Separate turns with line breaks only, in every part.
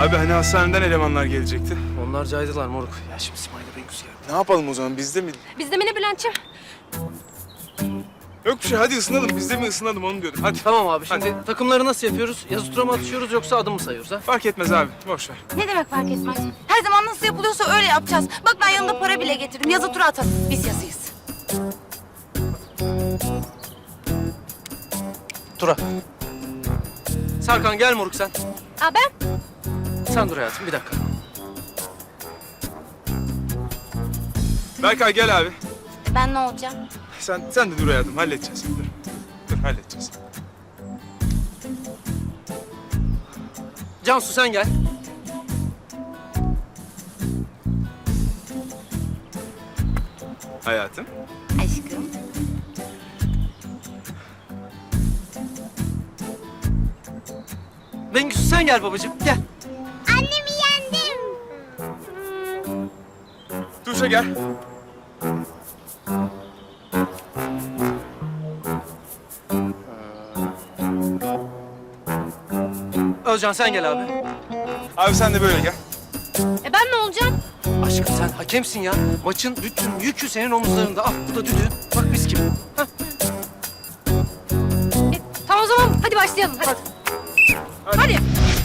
Abi hani hastaneden elemanlar gelecekti.
Onlar caydılar moruk. Ya şimdi Simay'la Bengüs geldi.
Ne yapalım o zaman? Bizde mi?
Bizde mi ne Bülent'ciğim?
Yok bir şey. Hadi ısınalım. Bizde mi ısınalım onu diyordum. Hadi.
Tamam abi şimdi takımları nasıl yapıyoruz? Yazı tura mı atışıyoruz yoksa adım mı sayıyoruz ha?
Fark etmez abi. Boş ver.
Ne demek fark etmez? Her zaman nasıl yapılıyorsa öyle yapacağız. Bak ben yanımda para bile getirdim. Yazı tura atalım. Biz yazıyız.
Tura. Serkan gel moruk sen.
Aa ben?
Sen dur hayatım bir dakika.
Berkay gel abi.
Ben ne olacağım?
Sen de dur hayatım. Halledeceğiz. Dur halledeceğiz.
Cansu sen gel.
Hayatım.
Aşkım.
Bengüs sen gel babacığım gel.
Annemi yendim.
Tuğçe gel.
Özcan sen gel abi.
Abi sen de böyle gel.
Ben ne olacağım?
Aşkım sen hakemsin ya. Maçın bütün yükü senin omuzlarında. Ah bu da düdüğün. Bak mis gibi. Hah.
Tamam o zaman hadi başlayalım. Hadi. Hadi.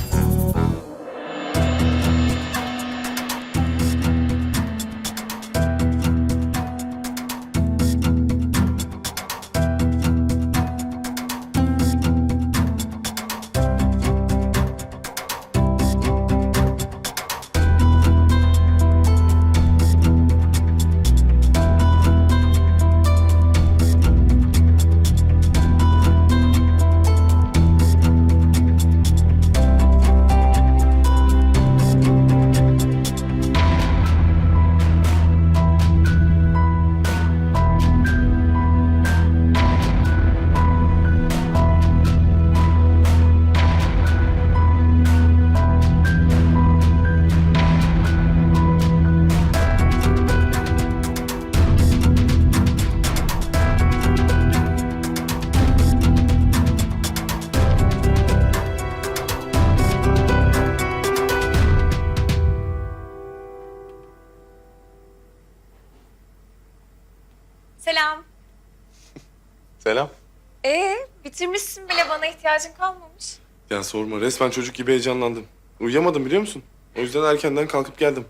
Selam.
Selam.
Bitirmişsin bile, bana ihtiyacın kalmamış.
Ya sorma, resmen çocuk gibi heyecanlandım. Uyuyamadım biliyor musun? O yüzden erkenden kalkıp geldim.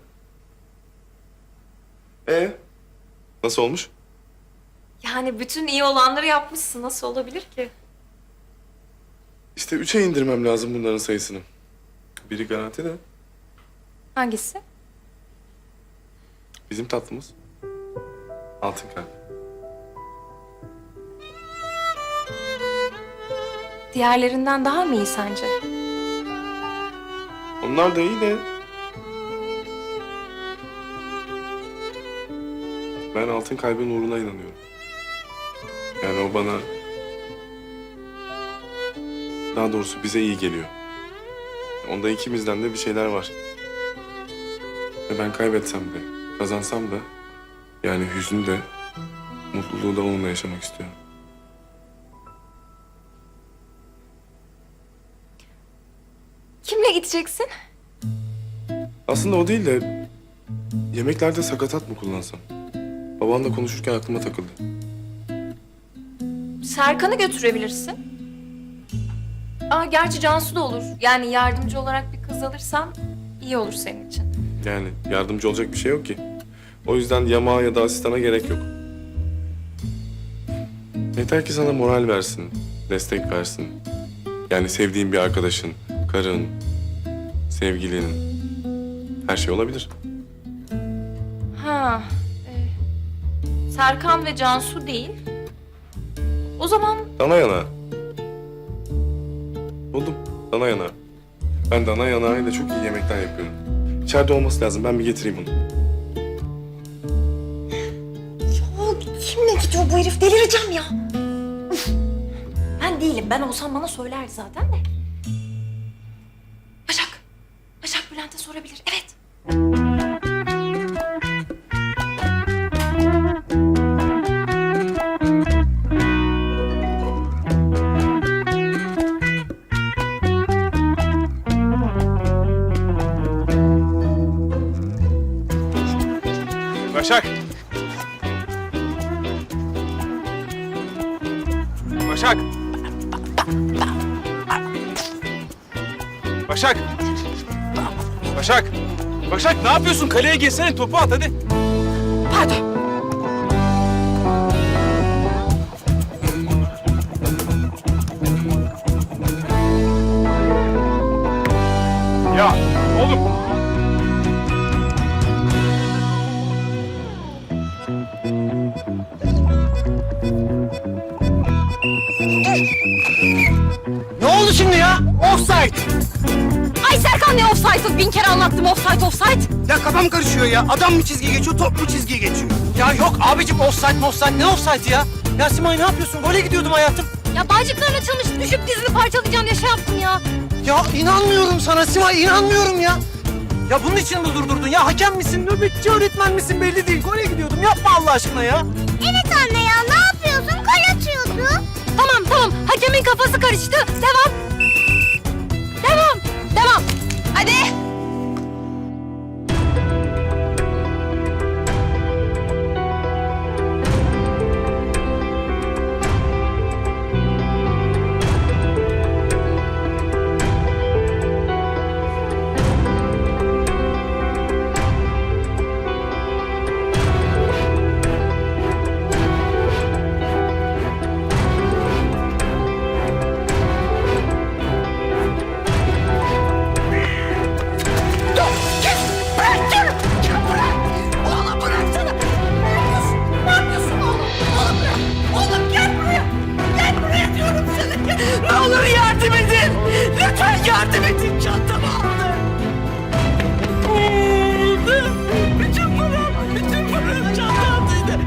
Nasıl olmuş?
Yani bütün iyi olanları yapmışsın. Nasıl olabilir ki?
İşte 3'e indirmem lazım bunların sayısını. Biri garanti de
Hangisi?
bizim tatlımız. Altın kalp.
Diğerlerinden daha mı iyi sence?
Onlar da iyi de... Ben altın kalbin uğruna inanıyorum. Yani o bana... Daha doğrusu bize iyi geliyor. Onda ikimizden de bir şeyler var. Ve ben kaybetsem de, kazansam da... Yani hüznü de, mutluluğu da onunla yaşamak istiyorum.
Kimle gideceksin?
Aslında o değil de... Yemeklerde sakatat mı kullansam? Babanla konuşurken aklıma takıldı.
Serkan'ı götürebilirsin. Gerçi Cansu da olur. Yani yardımcı olarak bir kız alırsan iyi olur senin için.
Yani yardımcı olacak bir şey yok ki. O yüzden yamağa ya da asistana gerek yok. Yeter ki sana moral versin, destek versin. Yani sevdiğin bir arkadaşın, karın, sevgilinin... Her şey olabilir.
Serkan ve Cansu değil. O zaman
Dana yanağı. Buldum, dana yanağı. Ben dana yanağıyla çok iyi yemekler yapıyorum. İçeride olması lazım, ben bir getireyim onu.
kimle gidiyor bu herif? Delireceğim ya. Ben değilim. Ben olsam bana söylerdi zaten de. Başak. Başak Bülent'e sorabilir. Evet.
Başak. Başak. Başak. Başak. Başak ne yapıyorsun? Kaleye girsene, topu at hadi.
Pardon.
Ya oğlum.
Ne oldu şimdi ya? Offside.
Ay Serkan ne offside'ı? 1000 kere anlattım offside.
Ya kafam karışıyor ya. Adam mı çizgiye geçiyor, top mu çizgiye geçiyor? Ya yok abicim offside ne offside ya? Ya Simay ne yapıyorsun? Gole gidiyordum hayatım.
Ya bağcıkların açılmış, düşüp dizini parçalayacağım diye şey yaptım ya.
Ya inanmıyorum sana Simay, inanmıyorum ya. Ya bunun için mi durdurdun ya? Hakem misin, nöbetçi öğretmen misin belli değil. Gole gidiyordum. Yapma Allah aşkına ya.
Evet anne ya, ne yapıyorsun? Kol atıyordu. Tamam, hakemin kafası karıştı. Devam. Hadi. Ne olur yardım edin. Lütfen yardım edin. Çantamı aldı. Bütün param çantamdaydı.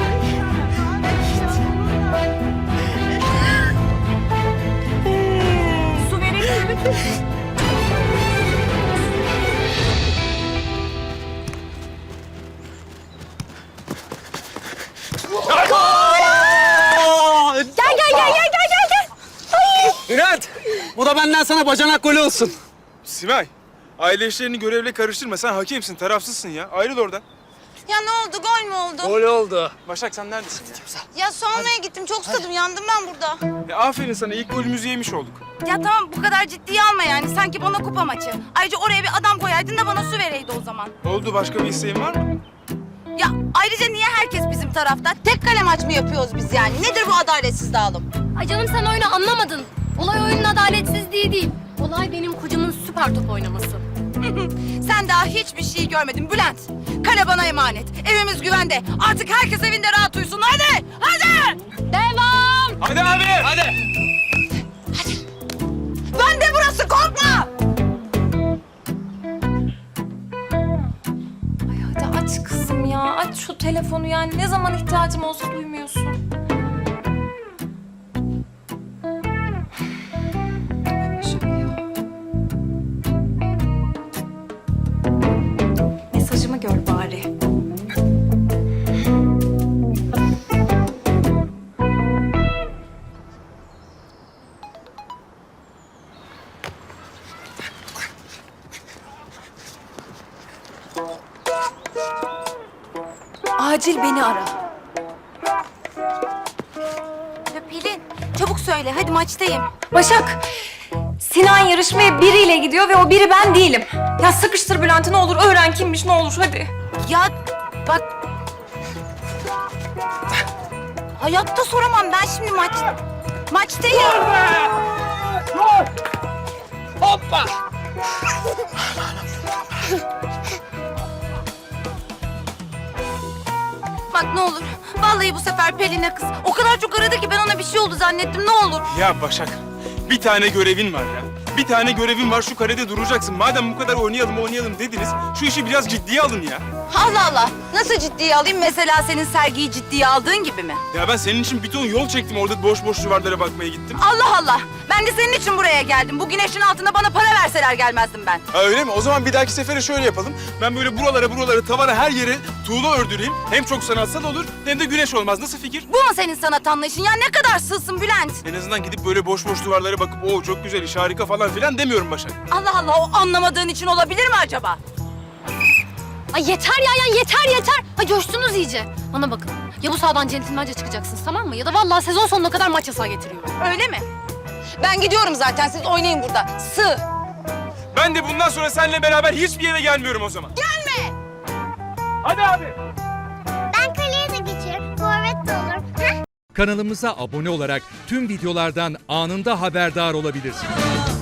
Su verelim mi? Gel.
Bülent, bu da benden sana bacanak golü olsun.
Simay, aile işlerini görevle karıştırma. Sen hakemsin, tarafsızsın ya. Ayrıl oradan.
Ya ne oldu? Gol mü oldu?
Gol oldu.
Başak sen neredesin ya?
Ya su almaya gittim. Çok susadım. Yandım ben burada.
Aferin sana, ilk golümüzü yemiş olduk.
Ya tamam bu kadar ciddiye alma yani. Sanki bana kupa maçı. Ayrıca oraya bir adam koyaydın da bana su vereydi o zaman.
Oldu, başka bir isteğin var mı?
Ya ayrıca niye herkes bizim tarafta? Tek kale maç mı yapıyoruz biz yani? Nedir bu adaletsiz dağılım?
Ay canım sen oyunu anlamadın. Olay oyunun adaletsizliği değil. Olay benim kocamın süper top oynaması.
Sen daha hiçbir şey görmedin Bülent. Kale bana emanet. Evimiz güvende. Artık herkes evinde rahat uyusun. Hadi!
Devam!
Hadi abi! Hadi!
Bende burası, korkma!
Ay hadi aç kızım ya. Aç şu telefonu yani. Ne zaman ihtiyacım olsa duymuyorsun. Başak ya. Mesajımı gör bari. Acil beni ara.
Ya Pelin, çabuk söyle. Hadi maçtayım.
Başak, Sinan yarışmaya biriyle gidiyor ve o biri ben değilim. Ya sıkıştır Bülent'i ne olur, öğren kimmiş ne olur hadi.
Ya bak... Hayatta soramam. Ben şimdi maçtayım.
Hoppa!
Bak ne olur. Vallahi bu sefer Pelin'e kız. O kadar çok aradı ki ben ona bir şey oldu zannettim. Ne olur.
Ya Başak, bir tane görevin var ya. Bir tane görevin var, şu karede duracaksın. Madem bu kadar oynayalım dediniz, şu işi biraz ciddiye alın ya.
Allah Allah. Nasıl ciddiye alayım? Mesela senin sergiyi ciddiye aldığın gibi mi?
Ya ben senin için bir ton yol çektim, orada boş duvarlara bakmaya gittim.
Allah Allah. Ben de senin için buraya geldim. Bu güneşin altında bana para verseler gelmezdim ben.
Ha öyle mi? O zaman bir dahaki sefere şöyle yapalım. Ben böyle buralara, tavana her yere tuğla ördüreyim. Hem çok sanatsal olur, hem de güneş olmaz. Nasıl fikir?
Bu mu senin sanat anlayışın? Ya ne kadar sığsın Bülent.
En azından gidip böyle boş duvarlara bakıp o çok güzel iş, harika falan filan demiyorum Başak.
Allah Allah, o anlamadığın için olabilir mi acaba?
Ay yeter ya yeter. Ay coştunuz iyice. Bana bakın. Ya bu sahadan centilmence çıkacaksınız tamam mı? Ya da vallahi sezon sonuna kadar maç yasağı getiriyorum.
Öyle mi? Ben gidiyorum zaten. Siz oynayın burada. Sığ.
Ben de bundan sonra seninle beraber hiçbir yere gelmiyorum o zaman.
Gelme.
Hadi abi.
Ben kaleye de geçerim. Forvet de olurum.
Kanalımıza abone olarak tüm videolardan anında haberdar olabilirsiniz.